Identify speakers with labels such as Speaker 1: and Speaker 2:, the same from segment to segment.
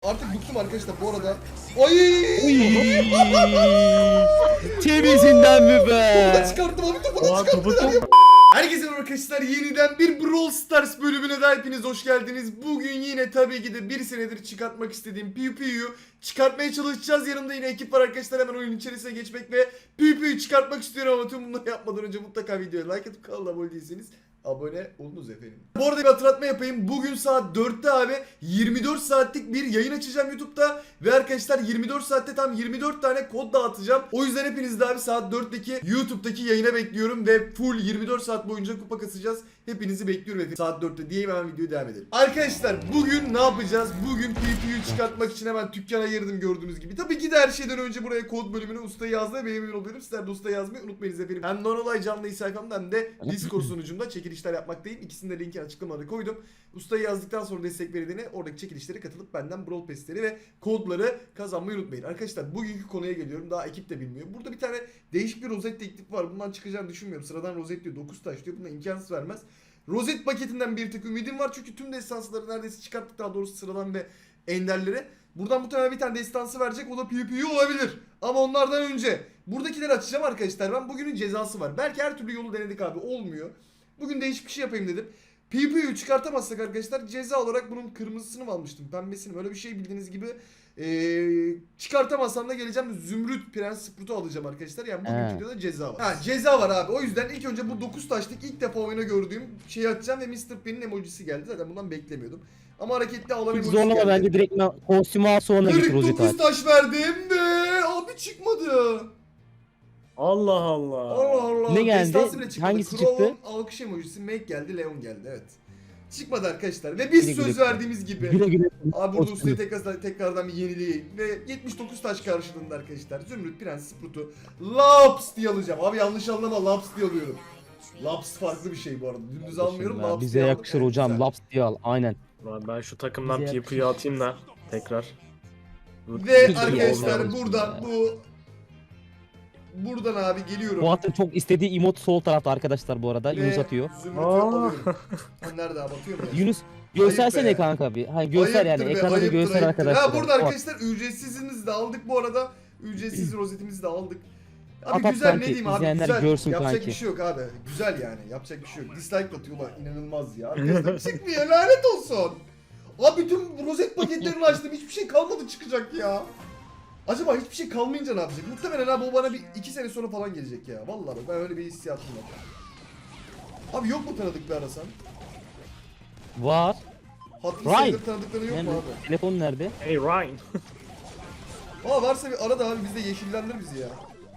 Speaker 1: Artık bıktım arkadaşlar bu arada. Ay!
Speaker 2: Temizinden mi
Speaker 1: Bunu
Speaker 2: be?
Speaker 1: da çıkarttım abi topu çıkarttılar ya. Herkese merhaba arkadaşlar, yeniden bir Brawl Stars bölümüne de hepiniz hoş geldiniz. Bugün yine tabii ki de bir senedir çıkartmak istediğim PvP'yu çıkartmaya çalışacağız. Yanımda yine ekip var arkadaşlar, hemen oyunun içerisine geçmek ve PvP'yu çıkartmak istiyorum ama tüm bunları yapmadan önce mutlaka videoya like atıp kanala abone değilseniz abone olunuz efendim. Bu arada bir hatırlatma yapayım. Bugün saat 4'te abi 24 saatlik bir yayın açacağım YouTube'da. Ve arkadaşlar 24 saatte tam 24 tane kod dağıtacağım. O yüzden hepiniz de abi saat 4'teki YouTube'daki yayına bekliyorum. Ve full 24 saat boyunca kupa kasacağız. Hepinizi bekliyorum efendim. Saat 4'te diyeyim, hemen videoya devam edelim. Arkadaşlar bugün ne yapacağız? Bugün PvP'yu çıkartmak için hemen dükkana girdim gördüğünüz gibi. Tabii ki de her şeyden önce buraya kod bölümüne ustayı yazmayı ve emin oluyorum. Sizler de ustayı yazmayı unutmayınız efendim. Hem Nonolay canlı sayfamda hem de Discord sunucumda çekilişler yapmaktayım. İkisinin de linki açıklamada koydum. Ustayı yazdıktan sonra destek verildiğine oradaki çekilişlere katılıp benden Brawl Pass'leri ve kodları kazanmayı unutmayın. Arkadaşlar bugünkü konuya geliyorum. Daha ekip de bilmiyor. Burada bir tane değişik bir rozet teklif var. Bundan çıkacağını düşünmüyorum. Sıradan rozet diyor. 9 taş diyor. Buna imkansız vermez. Rozet paketinden bir tık ümidim var. Çünkü tüm destansları neredeyse çıkarttık, daha doğrusu sıradan ve enderleri. Buradan muhtemelen bir tane destansı verecek. O da PvP olabilir. Ama onlardan önce buradakileri açacağım arkadaşlar. Ben bugünün cezası var. Belki her türlü yolu denedik abi. Olmuyor. Bugün değişik bir şey yapayım dedim. PvP'yi çıkartamazsak arkadaşlar ceza olarak bunun kırmızısını mı almıştım, pembesini, böyle bir şey bildiğiniz gibi çıkartamazsam da geleceğim Zümrüt Prens Sprout'u alacağım arkadaşlar. Yani bugünkü videoda ceza var. Ha, ceza var abi. O yüzden ilk önce bu 9 taşlık ilk defa oyuna gördüğüm şeyi açacağım ve Mr. P'nin emojisi geldi. Zaten bundan beklemiyordum. Ama hareketli ağlama
Speaker 2: Hiç
Speaker 1: emojisi
Speaker 2: zorlama
Speaker 1: geldi.
Speaker 2: bence direkt kostümü al sonra git rozet
Speaker 1: 49
Speaker 2: al.
Speaker 1: taş verdim ve abi çıkmadı.
Speaker 3: Allah Allah.
Speaker 1: Allah Allah.
Speaker 2: Ne geldi?
Speaker 1: Destansı bile çıkmadı.
Speaker 2: Hangisi
Speaker 1: Crow'un
Speaker 2: çıktı?
Speaker 1: alkış emojisi, Make geldi, Leon geldi, evet. Çıkmadı arkadaşlar ve biz
Speaker 2: Güle
Speaker 1: söz
Speaker 2: güle.
Speaker 1: verdiğimiz gibi.
Speaker 2: Güle güle.
Speaker 1: Abi burada
Speaker 2: Kostümü.
Speaker 1: ustayı tekrardan bir yenileyeyim ve 79 taş karşılığında arkadaşlar Zümrüt Prens Sprout'u Laps diye alacağım. Abi yanlış anlama, Laps diye alıyorum. Laps farklı bir şey bu arada. Dümdüz almıyorum,
Speaker 2: Ya,
Speaker 1: Laps
Speaker 2: bize
Speaker 1: diye aldım.
Speaker 2: yakışır
Speaker 1: Evet,
Speaker 2: hocam.
Speaker 1: güzel.
Speaker 2: Laps diye al. Aynen.
Speaker 3: Lan ben şu takımdan
Speaker 2: Bize
Speaker 3: PvP'yi atayım da tekrar.
Speaker 1: Ve
Speaker 2: Güzel
Speaker 1: arkadaşlar
Speaker 2: oldu.
Speaker 1: buradan buradan abi geliyorum.
Speaker 2: Fuat'ın çok istediği emot sol tarafta arkadaşlar bu arada.
Speaker 1: Ve
Speaker 2: Yunus atıyor.
Speaker 1: Zümrüt'ü
Speaker 3: Aa.
Speaker 1: alıyorum. Ha, nerede abi, atıyor mu ya?
Speaker 2: Yunus
Speaker 1: Ayıp
Speaker 2: göstersene
Speaker 1: be.
Speaker 2: kanka bir. Hani göster
Speaker 1: Ayıptır
Speaker 2: yani
Speaker 1: be,
Speaker 2: ekrana bir
Speaker 1: ayıptır,
Speaker 2: göster
Speaker 1: ayıptır.
Speaker 2: arkadaşlar.
Speaker 1: Ha, burada
Speaker 2: Fuat,
Speaker 1: arkadaşlar ücretsizimizi de aldık bu arada. Ücretsiz rozetimizi de aldık. Abi
Speaker 2: At
Speaker 1: güzel,
Speaker 2: kanki,
Speaker 1: ne diyeyim abi,
Speaker 2: izleyenler
Speaker 1: güzel.
Speaker 2: görsün
Speaker 1: Yapacak
Speaker 2: kanki.
Speaker 1: bir şey yok abi. Güzel yani, yapacak bir şey yok. Dislike atıyorlar, inanılmaz ya. Arkadaşlar çıkmıyor, lanet olsun. Abi tüm rozet paketlerini açtım, hiçbir şey kalmadı çıkacak ya. Acaba hiçbir şey kalmayınca ne yapacak? Muhtemelen abi o bana bir 2 sene sonra falan gelecek ya. Vallahi bak, ben öyle bir hissiyatım var. Abi yok mu tanıdık bir arasan?
Speaker 2: Var.
Speaker 1: Hatırı
Speaker 2: Ryan.
Speaker 1: sayılır tanıdıkları yok mu
Speaker 2: Nerede?
Speaker 1: abi?
Speaker 2: Telefon nerede?
Speaker 3: Hey Ryan.
Speaker 1: Aa, varsa bir ara da abi, biz de yeşillendir bizi ya.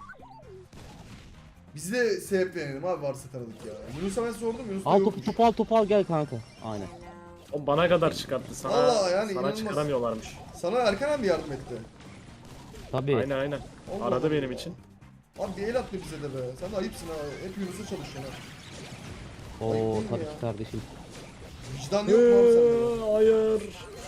Speaker 1: Bizi de sebeplenelim abi, varsa tanıdık ya. Yunus'a ben sordum, Yunus da
Speaker 2: Al
Speaker 1: yokmuş.
Speaker 2: topu al gel kanka. Aynen.
Speaker 3: O bana kadar çıkarttı sana.
Speaker 1: Vallahi yani
Speaker 3: sana
Speaker 1: inanılmaz.
Speaker 3: çıkaramıyorlarmış.
Speaker 1: Sana Erkan abi yardım etti.
Speaker 2: Tabii.
Speaker 3: Aynen aynen.
Speaker 1: Allah
Speaker 3: Aradı
Speaker 1: Allah.
Speaker 3: benim için.
Speaker 1: Abi bir el attı bize de be. Sen de ayıpsın ha. Hep Yunus'a çalışıyorsun ha.
Speaker 2: Oo
Speaker 1: Ayıp değil mi
Speaker 2: tabii
Speaker 1: ya?
Speaker 2: ki kardeşim.
Speaker 1: Vicdan yok mu abi sende?
Speaker 3: Hayır.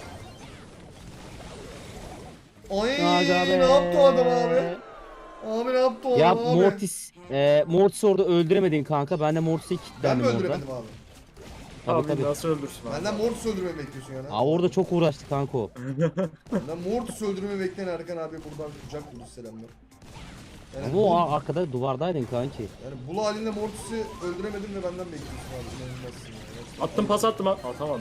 Speaker 1: Ay
Speaker 2: Aga be.
Speaker 1: ne yaptı o adam abi? Abi ne yaptı o
Speaker 2: Ya
Speaker 1: adam abi?
Speaker 2: Mortis orada öldüremedin kanka. Ben de Mortis'i
Speaker 1: Ben
Speaker 2: kilitlendim
Speaker 1: mi
Speaker 2: orada.
Speaker 1: öldüremedim abi?
Speaker 2: Tabii
Speaker 3: Abi
Speaker 2: tabii.
Speaker 3: nasıl öldürsün abi?
Speaker 1: Benden Mortis öldürmeyi bekliyorsun yani.
Speaker 2: Aa orada çok uğraştı kanka o.
Speaker 1: Benden Mortis öldürmeyi bekleyen Erkan abi buradan kucak dolu selamlar. Yani
Speaker 2: Ama o arkada duvardaydın kanki.
Speaker 1: Yani bulu halinde Mortis'i öldüremedim ve benden bekliyorsun abi. İnanılmazsın ya. Gerçekten.
Speaker 3: Attım pas attım. Atamadım.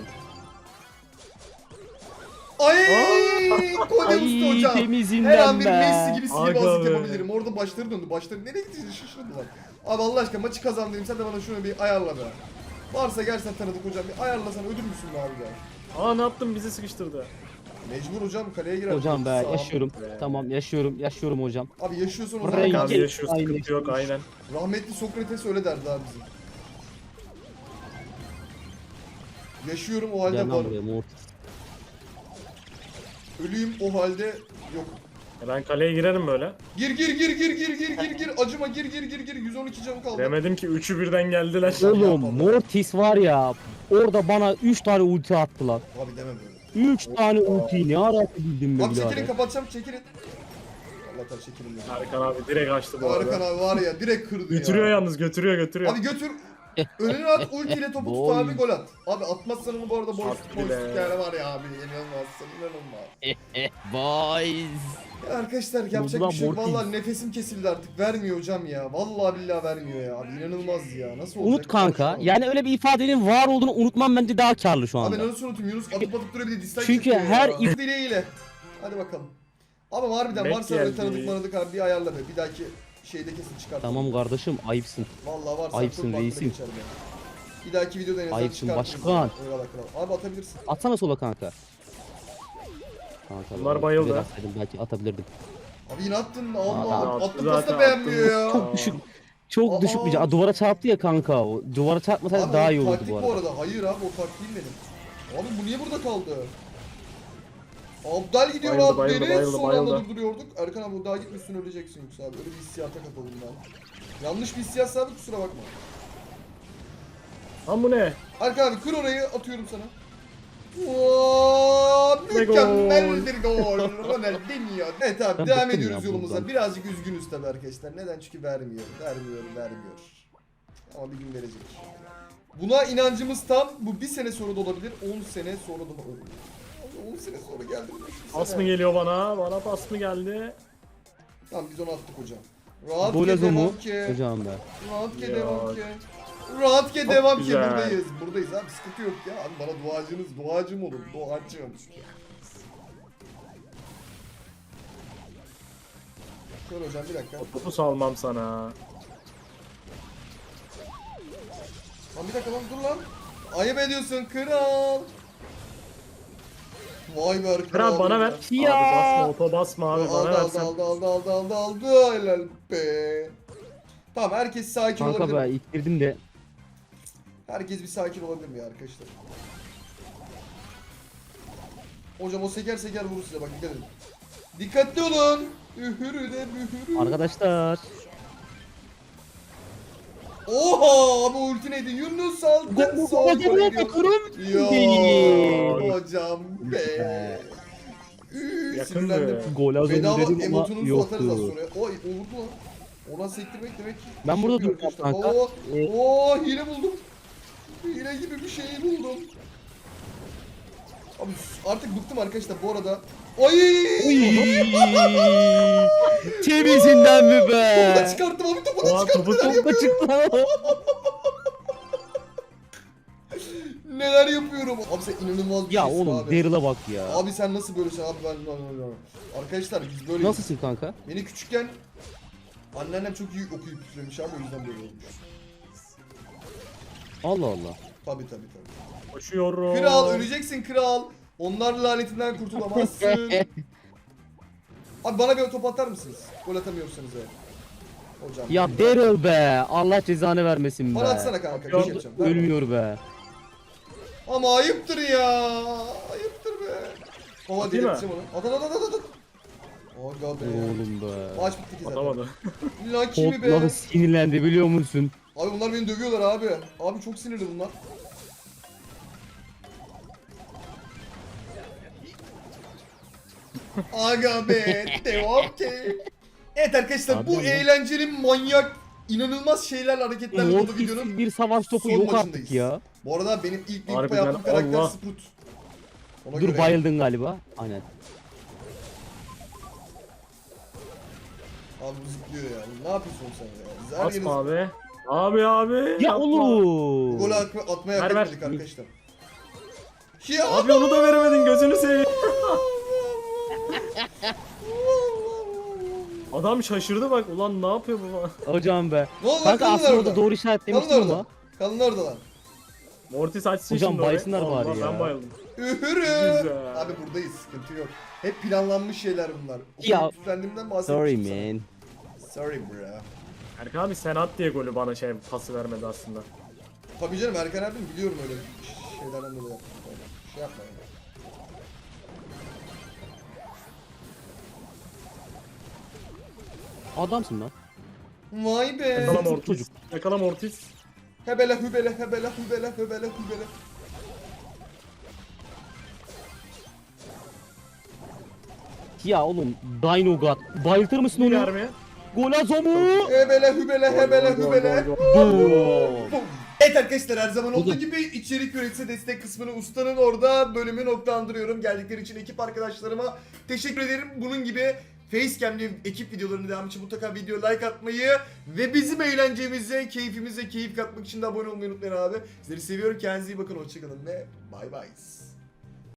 Speaker 1: Ay Kode usta hocam.
Speaker 2: temizinden
Speaker 1: Her an bir
Speaker 2: be.
Speaker 1: Messi gibi sihirbazlık
Speaker 3: Aga be.
Speaker 1: yapabilirim. Orada başları döndü. Başları nereye gitti? Şaşırdılar. Abi Allah aşkına maçı kazandırayım. Sen de bana şunu bir ayarla be. Varsa gerçekten tanıdık hocam. Bir ayarlasan ödül müsün be abi be?
Speaker 3: Aa ne yaptım, bizi sıkıştırdı.
Speaker 1: Mecbur hocam, kaleye girer.
Speaker 2: Hocam be
Speaker 1: Sağ ol.
Speaker 2: yaşıyorum.
Speaker 3: Be.
Speaker 2: Tamam yaşıyorum hocam.
Speaker 1: Abi yaşıyorsun o
Speaker 2: Buraya
Speaker 1: zaman.
Speaker 3: Abi
Speaker 2: gel.
Speaker 3: yaşıyor, sıkıntı
Speaker 2: Aynen.
Speaker 3: yok aynen.
Speaker 1: Rahmetli Sokrates öyle derdi abi bizim. Yaşıyorum o halde
Speaker 2: Gel lan
Speaker 1: varım.
Speaker 2: buraya Mortis.
Speaker 1: Ölüyüm o halde yok.
Speaker 3: Ben kaleye girerim böyle.
Speaker 1: Gir. Acıma gir. 112 canım kaldı.
Speaker 3: Demedim ki üçü birden geldiler.
Speaker 2: Oğlum Mortis var ya orada bana 3 tane ulti attı lan.
Speaker 1: Abi deme böyle.
Speaker 2: 3 tane ultiyi ne ara atabildim ben
Speaker 1: Abi çekilin,
Speaker 2: birader.
Speaker 1: kapatacağım, çekilin. Allah'tan çekilin ya.
Speaker 3: Erkan abi direkt açtı bu
Speaker 1: Erkan
Speaker 3: arada.
Speaker 1: abi var ya, direkt kırdı
Speaker 3: Götürüyor
Speaker 1: ya.
Speaker 3: yalnız, götürüyor.
Speaker 1: Abi götür. Önüne at ultiyle topu tut
Speaker 2: Boy.
Speaker 1: abi gol at. Abi atmazsan onu bu arada boş
Speaker 3: Attı bile.
Speaker 1: yani var ya abi inanılmazsın inanılmaz.
Speaker 2: Boys.
Speaker 1: Ya arkadaşlar yapacak
Speaker 2: Ulan
Speaker 1: bir şey yok.
Speaker 2: Mortis.
Speaker 1: Vallahi nefesim kesildi artık. Vermiyor hocam ya. Vallahi billahi vermiyor ya. Abi inanılmaz ya. Nasıl olacak?
Speaker 2: Unut kanka.
Speaker 1: Saçmalama.
Speaker 2: Yani öyle bir ifadenin var olduğunu unutmam bence daha karlı şu
Speaker 1: Abi
Speaker 2: anda.
Speaker 1: ben nasıl unutayım? Yunus atıp duruyor bir de dislike
Speaker 2: Çünkü
Speaker 1: çekiyor
Speaker 2: her
Speaker 1: ya. Dileğiyle. Hadi bakalım. Ama harbiden
Speaker 3: Bek
Speaker 1: varsa öyle
Speaker 3: geldi.
Speaker 1: tanıdık manadık abi bir ayarla be. Bir dahaki şeyde kesin çıkart.
Speaker 2: Tamam kardeşim ayıpsın.
Speaker 1: Vallahi varsa
Speaker 2: Ayıpsın,
Speaker 1: çok farklı
Speaker 2: reisim.
Speaker 1: geçer be. Bir dahaki videoda en azından
Speaker 2: Ayıpsın,
Speaker 1: çıkartırız.
Speaker 2: başkan.
Speaker 1: Eyvallah kral. Abi atabilirsin.
Speaker 2: Atsana sola kanka. Kanka
Speaker 3: Bunlar
Speaker 2: ben
Speaker 3: bayıldı.
Speaker 2: biraz atsaydım belki atabilirdim.
Speaker 1: Abi yine attın.
Speaker 2: Aa,
Speaker 1: Allah.
Speaker 3: attı
Speaker 1: Attın
Speaker 3: zaten,
Speaker 1: pası da beğenmiyor ya.
Speaker 2: Çok düşük. Çok
Speaker 1: Aa.
Speaker 2: düşük bir can. Aa, duvara çarptı ya kanka. O duvara çarpmasaydı
Speaker 1: Abi
Speaker 2: daha
Speaker 1: o
Speaker 2: iyi olurdu
Speaker 1: taktik
Speaker 2: bu arada.
Speaker 1: Hayır abi o taktik değil benim. Abi bu niye burada kaldı? Abdal gidiyor
Speaker 3: Bayıldı,
Speaker 1: abi
Speaker 3: bayıldı,
Speaker 1: deniz.
Speaker 3: bayıldı,
Speaker 1: Son
Speaker 3: bayıldı.
Speaker 1: anda durduruyorduk. Erkan abi daha gitmişsin öleceksin yoksa abi. Öyle bir hissiyata kapıldım ben. Yanlış bir hissiyatsa abi kusura bakma.
Speaker 3: Lan bu ne?
Speaker 1: Erkan abi kır orayı atıyorum sana. Oo,
Speaker 3: Ne
Speaker 1: mükemmel
Speaker 3: gol.
Speaker 1: bir gol. Ronaldinho. Evet abi
Speaker 2: Ben
Speaker 1: devam
Speaker 2: bıktım
Speaker 1: ediyoruz
Speaker 2: ya
Speaker 1: yolumuza.
Speaker 2: buradan.
Speaker 1: Birazcık üzgünüz tabii arkadaşlar. Neden? Çünkü vermiyor. Ama bir gün verecek. Buna inancımız tam. Bu bir sene sonra da olabilir. 10 sene sonra da olabilir. Abi 10 sene sonra geldi.
Speaker 3: Pas mı geliyor bana? Bana pas mı geldi?
Speaker 1: Tamam biz onu attık hocam. Rahat
Speaker 2: Gol
Speaker 1: ke
Speaker 2: azomu.
Speaker 1: devam ki.
Speaker 2: Hocam be.
Speaker 1: Rahat ke
Speaker 3: Ya.
Speaker 1: devam ki. Rahat ke
Speaker 3: Çok
Speaker 1: devam ki
Speaker 3: güzel.
Speaker 1: buradayız. Buradayız abi sıkıntı yok ya. Abi bana duacım olun. Duacım. Şöyle hocam bir dakika.
Speaker 3: Topu salmam sana.
Speaker 1: Lan bir dakika lan dur lan. Ayıp ediyorsun kral. Vay be kral.
Speaker 3: Kral bana ver.
Speaker 2: Ya.
Speaker 3: Abi basma oto basma abi bana
Speaker 1: Aldı
Speaker 3: versen.
Speaker 1: aldı. Helal be. Tamam herkes sakin
Speaker 2: Kanka
Speaker 1: olabilir.
Speaker 2: be ittirdim de.
Speaker 1: Herkes bir sakin olabilir mi ya arkadaşlar? Hocam o seker vurur size bak dikkat edin. Dikkatli olun. Ühürü de bühürü.
Speaker 2: Arkadaşlar.
Speaker 1: Oha abi ulti neydi? Yunus aldın sol gol gidiyor. Ya hocam be.
Speaker 3: Yakındı.
Speaker 1: Sinirlendim.
Speaker 2: Gol azomu
Speaker 1: Bedava
Speaker 2: dedim ama
Speaker 1: emotununuzu atarız az
Speaker 2: yoktu.
Speaker 1: sonra. Oy vurdu lan. Ona sektirmek demek.
Speaker 2: Ben
Speaker 1: iş
Speaker 2: burada
Speaker 1: yapıyor
Speaker 2: duracağım
Speaker 1: arkadaşlar.
Speaker 2: kanka.
Speaker 1: Oo hile buldum. Hile gibi bir şey buldum. Abi artık bıktım arkadaşlar bu arada. Ay!
Speaker 2: Temizinden mi
Speaker 1: Topu da
Speaker 2: be?
Speaker 1: çıkarttım abi topu da
Speaker 3: Oha
Speaker 1: çıkarttım.
Speaker 3: topu
Speaker 2: Çok da çıktı.
Speaker 1: Neler yapıyorum? Abi sen inanılmaz bir
Speaker 2: Ya
Speaker 1: şeysin
Speaker 2: oğlum
Speaker 1: abi.
Speaker 2: Daryl'a bak ya.
Speaker 1: Abi sen nasıl böylesin abi ben arkadaşlar biz böyle
Speaker 2: Nasılsın kanka?
Speaker 1: beni küçükken anneannem çok iyi okuyup üflemiş abi o yüzden böyle olmuş.
Speaker 2: Allah Allah.
Speaker 1: Tabi.
Speaker 3: Koşuyorum.
Speaker 1: Kral öleceksin kral. Onlar lanetinden kurtulamazsın. Abi bana bir top atar mısınız? Gol atamıyorsanız eğer. Hocam.
Speaker 2: Ya Daryl be. Allah cezanı vermesin be.
Speaker 1: Bana atsana kanka bir şey yapacağım. Ver bana.
Speaker 2: Ölmüyor be.
Speaker 1: Ama ayıptır ya. Ayıptır be. Baba
Speaker 3: Atayım mı?
Speaker 1: delirteceğim onu. At. Aga be.
Speaker 2: Oğlum be.
Speaker 1: Maç bitti ki zaten.
Speaker 3: Atamadı.
Speaker 1: Lucky mi be?
Speaker 2: Kodları sinirlendi biliyor musun?
Speaker 1: Abi bunlar beni dövüyorlar abi. Abi çok sinirli bunlar. Aga be. Devam ki. Evet arkadaşlar
Speaker 2: Abi
Speaker 1: bu
Speaker 2: ya.
Speaker 1: eğlenceli manyak inanılmaz şeylerle hareketlerle dolu videonun
Speaker 2: Mortis'siz bir savaş topu
Speaker 1: son
Speaker 2: yok
Speaker 1: maçındayız.
Speaker 2: artık ya.
Speaker 1: Bu arada benim ilk link
Speaker 3: Harbiden,
Speaker 1: yaptığım karakter
Speaker 3: Allah.
Speaker 1: Sprout. Ona
Speaker 2: Dur
Speaker 1: göre.
Speaker 2: bayıldın galiba. Aynen.
Speaker 1: Abi bu zıplıyor ya. Ne yapıyorsun sen ya? Her yeri
Speaker 3: Basma abi. Abi.
Speaker 2: Ya
Speaker 3: yapma.
Speaker 2: oğlum.
Speaker 1: gol atmaya hak
Speaker 3: Ver, ver.
Speaker 1: etmedik arkadaşlar. Ya.
Speaker 3: Abi onu da veremedin gözünü seveyim. Adam şaşırdı bak ulan ne yapıyor bu falan.
Speaker 2: Hocam be.
Speaker 1: Ne oldu?
Speaker 2: Kanka
Speaker 1: Kalın
Speaker 2: aslında
Speaker 1: orada.
Speaker 2: orada doğru işaretlemiştim
Speaker 1: Kalın orada.
Speaker 2: ama.
Speaker 1: Kalın orada lan.
Speaker 3: Mortis açsın
Speaker 2: Hocam
Speaker 3: şimdi orayı.
Speaker 2: baysınlar bari
Speaker 3: Allah,
Speaker 2: ya.
Speaker 3: Ben bayıldım.
Speaker 1: Ühürü.
Speaker 3: Güzel.
Speaker 1: Abi buradayız sıkıntı yok. Hep planlanmış şeyler bunlar.
Speaker 2: Ya.
Speaker 1: Üstlendiğimden
Speaker 2: Sorry
Speaker 1: bahsetmiştim
Speaker 2: man.
Speaker 1: sana. Sorry bro.
Speaker 3: Erkan abi sen at diye golü bana pası vermedi aslında.
Speaker 1: Tabii canım Erkan abim biliyorum öyle şeylerden dolayı yaptım. Şey yapma yani.
Speaker 2: Adamsın lan.
Speaker 1: Vay be.
Speaker 3: Yakala
Speaker 2: Çocuk.
Speaker 3: Mortis. Yakala Mortis.
Speaker 1: Hebele.
Speaker 2: Ya oğlum Dino God. Bayıltır mısın
Speaker 3: Bir
Speaker 2: onu?
Speaker 3: vermeye.
Speaker 2: Gol azomu.
Speaker 1: Hebele.
Speaker 3: Gol, gol, gol, gol.
Speaker 2: Boom.
Speaker 1: Bum. Evet arkadaşlar, her zaman olduğu
Speaker 2: Buldum.
Speaker 1: gibi içerik üretisi destek kısmını ustanın orada bölümü noktalandırıyorum. Geldikleri için ekip arkadaşlarıma teşekkür ederim. Bunun gibi Facecam'li ekip videolarını devam için mutlaka video like atmayı ve bizim eğlencemize, keyfimize keyif katmak için de abone olmayı unutmayın abi. Sizleri seviyorum. Kendinize iyi bakın. Hoşçakalın ve bay bay.